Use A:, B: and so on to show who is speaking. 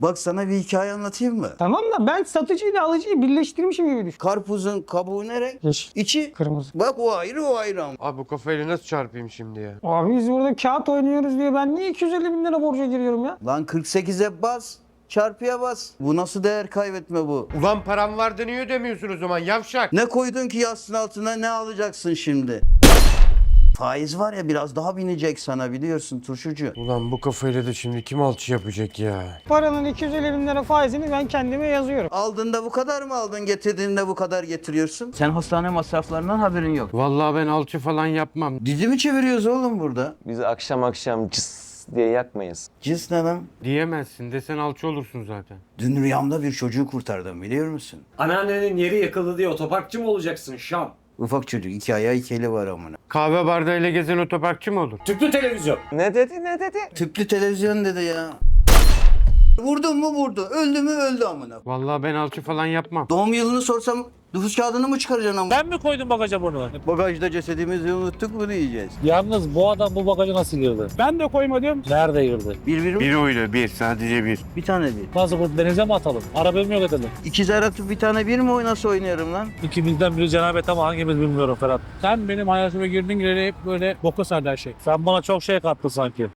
A: Bak sana bir hikaye anlatayım mı?
B: Tamam da ben satıcıyla alıcıyı birleştirmişim gibi düşün.
A: Karpuzun kabuğu ne renk?
B: Yeşil.
A: İçi.
B: Kırmızı.
A: Bak o ayrı o ayrı ama.
C: Abi bu kafayla nasıl çarpayım şimdi ya?
B: Abi biz burada kağıt oynuyoruz diye ben niye 250 bin lira borca giriyorum ya?
A: Lan 48'e bas. Çarpıya bas. Bu nasıl değer kaybetme bu?
C: Ulan param vardı niye ödemiyorsun o zaman yavşak?
A: Ne koydun ki yastığın altına, ne alacaksın şimdi? Faiz var ya, biraz daha binecek sana, biliyorsun turşucu.
C: Ulan bu kafayla da şimdi kim alçı yapacak ya?
B: Paranın 250 bin lira faizini ben kendime yazıyorum.
A: Aldığında bu kadar mı aldın, getirdiğinde bu kadar getiriyorsun? Sen hastane masraflarından haberin yok.
C: Vallahi ben alçı falan yapmam.
A: Dizi mi çeviriyoruz oğlum burada?
D: Biz akşam akşam cıs diye yakmayız.
A: Cins ne lan?
C: Diyemezsin desen alçı olursun zaten.
A: Dün rüyamda bir çocuğu kurtardım, biliyor musun?
E: Anneannenin yeri yakıldı diye otoparkçı mı olacaksın Şam?
A: Ufak çocuk, 2 ayağı 2 eli var amına.
C: Kahve bardağıyla gezen otoparkçı mı olur?
E: Tüplü televizyon.
D: Ne dedi ne dedi?
A: Tüplü televizyon dedi ya. Vurdun mu vurdu, öldü mü öldü amına.
C: Vallahi ben alçı falan yapmam.
A: Doğum yılını sorsam nüfus kağıdını mı çıkaracaksın amına?
F: Ben mi koydum bagaja bunu?
A: Bagajda cesedimizi unuttuk mu diyeceğiz.
F: Yalnız bu adam bu bagaja nasıl girdi? Ben de koymadım. Nerede girdi?
A: Bir
C: Bir oyla bir sadece bir.
A: bir tane bir.
F: Nasıl bu denize mi atalım? Arabamı yok edelim.
A: İkizler atıp bir tane bir mi nasıl oynarım lan?
F: İkimizden biri cenabet ama hangimiz bilmiyorum Ferhat. Sen benim hayatıma girdin gireli hep böyle boka sardı her şey. Sen bana çok şey kattın sanki.